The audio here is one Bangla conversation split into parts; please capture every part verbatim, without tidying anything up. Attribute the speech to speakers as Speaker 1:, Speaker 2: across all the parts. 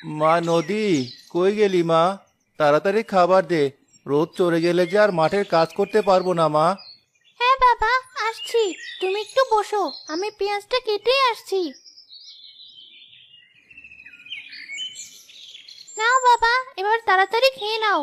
Speaker 1: মা নদী, কই গেলি মা? তাড়াতাড়ি খাবার দে। রোদ চড়ে গেলে যে আর মাঠের কাজ করতে পারবো না মা।
Speaker 2: হ্যাঁ বাবা, আসছি। তুমি একটু বসো, আমি পেঁয়াজটা কেটেই আসছি। নাও বাবা, এবার তাড়াতাড়ি খেয়ে নাও।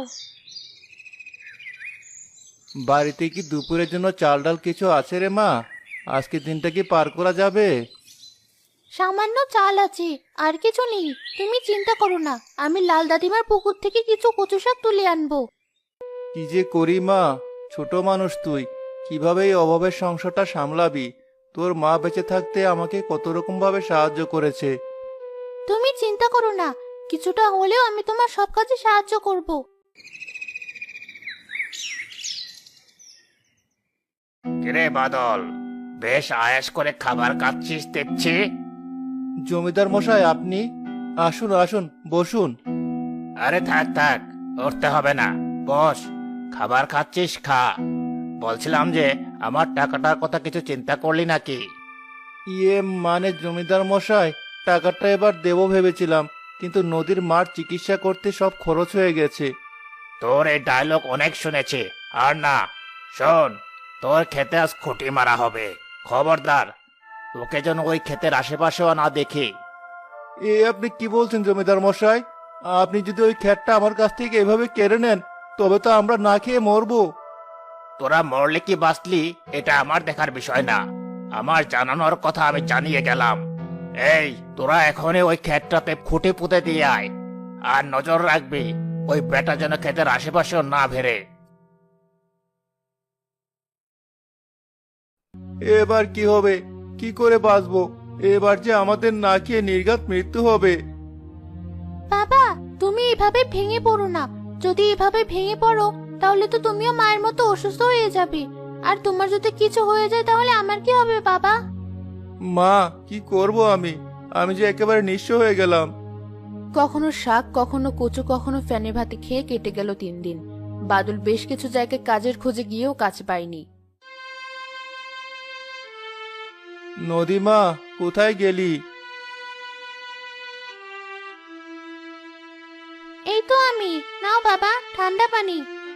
Speaker 1: বাড়িতে কি দুপুরের জন্য চাল ডাল কিছু আছে রে মা? আজকে দিনটা কি পার করা যাবে?
Speaker 2: সামান্য চাল আছে, আর কিছু নেই। তুমি চিন্তা করো না, আমি লাল দাদিমার পুকুর থেকে কিছু কচু শাক তুলে আনবো।
Speaker 1: কি যে করি মা, ছোট মানুষ তুই, কিভাবে এই অভাবের সংসারটা সামলাবি? তোর মা বেঁচে থাকতে আমাকে কত রকম ভাবে সাহায্য করেছে।
Speaker 2: তুমি চিন্তা করো না, কিছুটা হলেও আমি তোমার সব কাজে সাহায্য করব।
Speaker 3: কিরে বাদল, বেশ আয়েশ করে খাবার খাচ্ছিস দেখছি।
Speaker 1: জমিদার মশাই, আপনি? আসুন আসুন, বসুন।
Speaker 3: আরে থাক থাক, উঠতে হবে না, বস। খাবার খাচ্ছিস, খা। বলছিলাম যে আমার টাকাটার কথা কিছু চিন্তা করলি নাকি?
Speaker 1: ইয়ে মানে জমিদার মশাই, টাকাটা এবার দেবো ভেবেছিলাম, কিন্তু নদীর মার চিকিৎসা করতে সব খরচ হয়ে গেছে।
Speaker 3: তোর এই ডায়লগ অনেক শুনেছি, আর না। শোন, তোর খেতে আজ খুঁটি মারা হবে। খবরদার, তোকে যেন ওই ক্ষেতের আশেপাশেও না দেখি।
Speaker 1: এ আপনি কি বলছেন জমিদার মশাই? আপনি যদি ওই খ্যাটটা আমার কাছ থেকে এভাবে কেড়ে নেন, তবে তো আমরা না খেয়ে মরবো।
Speaker 3: তোরা মরলে কি বাঁচলি এটা আমার দেখার বিষয় না, আমার জানানোর কথা আমি জানিয়ে গেলাম। এই, তোরা এখনই ওই ক্ষেতটাতে খুঁটি পুঁতে দিয়ে আয়, আর নজর রাখবি ওই বেটা যেন ক্ষেতের আশেপাশেও না ভেরে।
Speaker 1: এবার কি হবে? কি করে বাঁচবো? এবার যে আমাদের না খেয়ে নির্ঘাত মৃত্যু হবে।
Speaker 2: বাবা, তুমি এভাবে ভেঙে পড়ো না। যদি এভাবে ভেঙে পড়ো, তাহলে তো তুমিও মায়ের মতো অসুস্থ হয়ে যাবে। আর তোমার যদি কিছু হয়ে যায় তাহলে আমার কি হবে বাবা?
Speaker 1: মা, কি করব আমি? আমি যে একেবারে নিঃস্ব হয়ে গেলাম।
Speaker 4: কখনো শাক, কখনো কচু, কখনো ফ্যানে ভাতে খেয়ে কেটে গেল তিন দিন। বাদল বেশ কিছু জায়গায় কাজের খোঁজে গিয়েও কাজ পায়নি।
Speaker 1: নদীমা, কোথায় গেলি?
Speaker 2: এই তো আমি। নাও বাবা, ঠান্ডা পানি।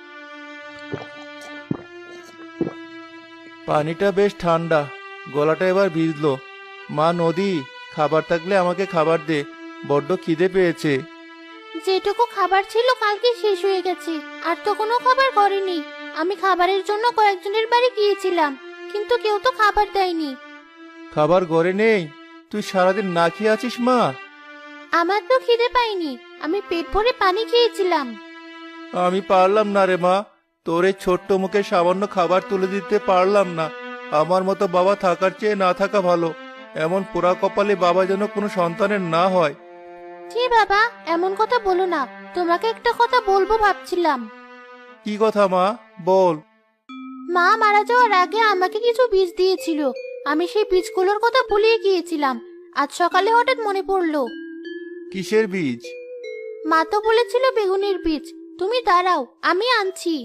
Speaker 1: পানিটা বেশ ঠান্ডা, গলাটা এবার ভিজলো। মা নদী, খাবার থাকলে আমাকে খাবার দে, বড্ড খিদে পেয়েছে।
Speaker 2: যেটুকু খাবার ছিল কালকে শেষ হয়ে গেছে, আর তো কোনো খাবার করেনি। আমি খাবারের জন্য কয়েকজনের বাড়ি গিয়েছিলাম, কিন্তু কেউ তো খাবার দেয়নি।
Speaker 1: খাবার ঘরে নেই? তুই সারাদিন না খেয়ে আছিস মা?
Speaker 2: আমার তো খিদে পাইনি, আমি পেট ভরে পানি খেয়েছিলাম।
Speaker 1: আমি পারলাম না রে মা, তোর এই ছোট্ট মুখে সামান্য খাবার তুলে দিতে পারলাম না। আমার মতো বাবা থাকার চেয়ে না থাকা ভালো। এমন পোড়া কপালে বাবা যেন কোনো সন্তানের না হয়।
Speaker 2: জি বাবা, এমন কথা বলো না। তোমাকে একটা কথা বলবো ভাবছিলাম।
Speaker 1: কি কথা মা, বল।
Speaker 2: মা মারা যাওয়ার আগে আমাকে কিছু বীজ দিয়েছিল, আমি সেই বীজগুলোর কথা ভুলিয়ে গিয়েছিলাম। আজ সকালে হঠাৎ মনে পড়লো।
Speaker 1: কিসের বীজ?
Speaker 2: মা তো বলেছিল বেগুনের বীজ। তুমি দাঁড়াও, আমি আনছি।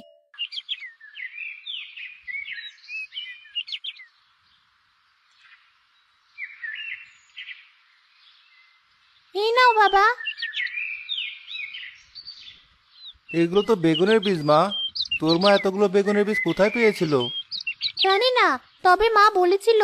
Speaker 2: এই নাও বাবা।
Speaker 1: এগুলো তো বেগুনের বীজ মা। তোর মা এতগুলো বেগুনের বীজ কোথায় পেয়েছিল?
Speaker 2: জানি না, তবে মা বলেছিল।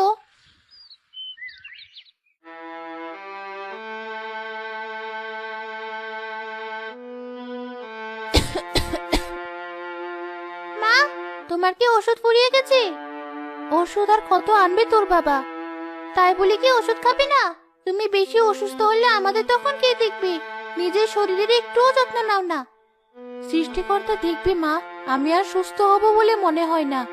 Speaker 2: মা, তোমার কি ওষুধ ফুরিয়ে গেছে? ওষুধ আর কত আনবে তোর বাবা? তাই বলে কি ওষুধ খাবে না? তুমি বেশি অসুস্থ হলে আমাদের তখন কে দেখবে? নিজের শরীরের একটুও যত্ন নাও না।
Speaker 4: সৃষ্টিকর্তা দেখবে মা, আমি আর সুস্থ হব বলে মনে হয় না।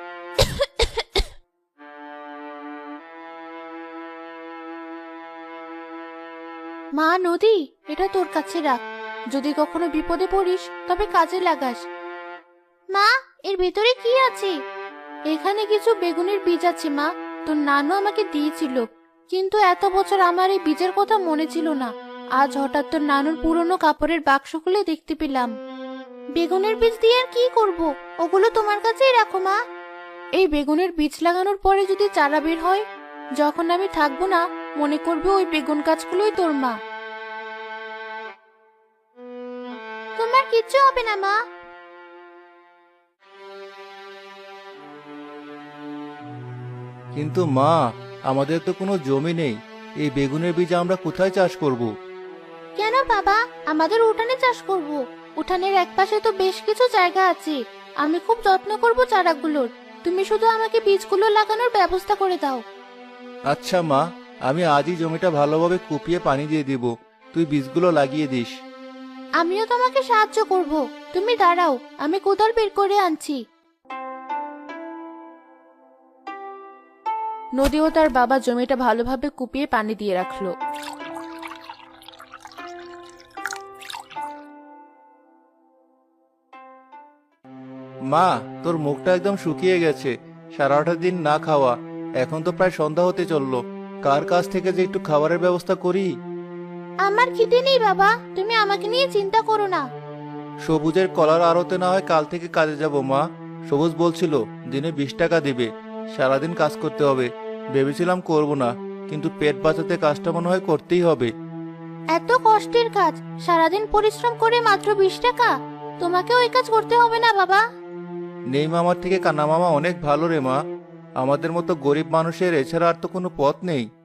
Speaker 4: মা নদী, এটা তোর কাছে রাখ। যদি কখনো বিপদে পড়িস তবে কাজে লাগাস।
Speaker 2: মা, এর ভেতরে কি আছে?
Speaker 4: এখানে কিছু বেগুনের বীজ আছে মা, তোর নানু আমাকে দিয়েছিল, কিন্তু এত বছর আমার এই বীজের কথা মনে ছিল না। আজ হঠাৎ তোর নানুর পুরনো কাপড়ের বাক্স খুলে দেখতে পেলাম।
Speaker 2: বেগুনের বীজ দিয়ে আর কি করব? ওগুলো তোমার কাছেই রাখো মা।
Speaker 4: এই বেগুনের বীজ লাগানোর পরে যদি চারা বের হয়, যখন আমি থাকবো না, মনে করবে ওই বেগুন গাছগুলোই তোর মা।
Speaker 2: তোমার কিচ্ছু হবে না মা।
Speaker 1: কিন্তু মা, আমাদের তো কোনো জমি নেই, এই বেগুনের বীজ আমরা কোথায় চাষ করব?
Speaker 2: কেন বাবা, আমাদের উঠানে চাষ করব। উঠানের একপাশে তো বেশ কিছু জায়গা আছে। আমি খুব যত্ন করব চারাগুলোর। তুমি শুধু আমাকে বীজগুলো লাগানোর ব্যবস্থা করে দাও।
Speaker 1: আচ্ছা মা, আমি আজই জমিটা ভালোভাবে কুপিয়ে পানি দিয়ে দিব, তুই বীজগুলো লাগিয়ে দিস।
Speaker 2: আমিও তোমাকে সাহায্য করব। তুমি দাঁড়াও, আমি কোদাল বের করে আনছি।
Speaker 4: নদীও তার বাবা জমিটা ভালোভাবে কুপিয়ে পানি দিয়ে রাখলো।
Speaker 1: মা, তোর মুখটা একদম শুকিয়ে গেছে, সারাটা দিন না খাওয়া। এখন তো প্রায় সন্ধ্যা হতে চললো, কার কাছ থেকে যে একটু খাবারের ব্যবস্থা করি।
Speaker 2: আমার খিদে নেই বাবা, তুমি আমাকে নিয়ে চিন্তা করো না।
Speaker 1: সবুজের কলার আড়তে না হয় কাল থেকে কাজে যাব মা। সবুজ বলছিল দিনে বিশ টাকা দিবে, সারাদিন কাজ করতে হবে। ভেবেছিলাম করব না, কিন্তু পেট বাঁচাতে কাজটা মনে হয় করতেই হবে।
Speaker 2: এত কষ্টের কাজ, সারাদিন পরিশ্রম করে মাত্র বিশ টাকা? তোমাকে ওই কাজ করতে হবে না বাবা।
Speaker 1: নেই মামার থেকে কানা মামা অনেক ভালো রে মা। আমাদের মতো গরিব মানুষের এছাড়া আর তো কোনো পথ নেই।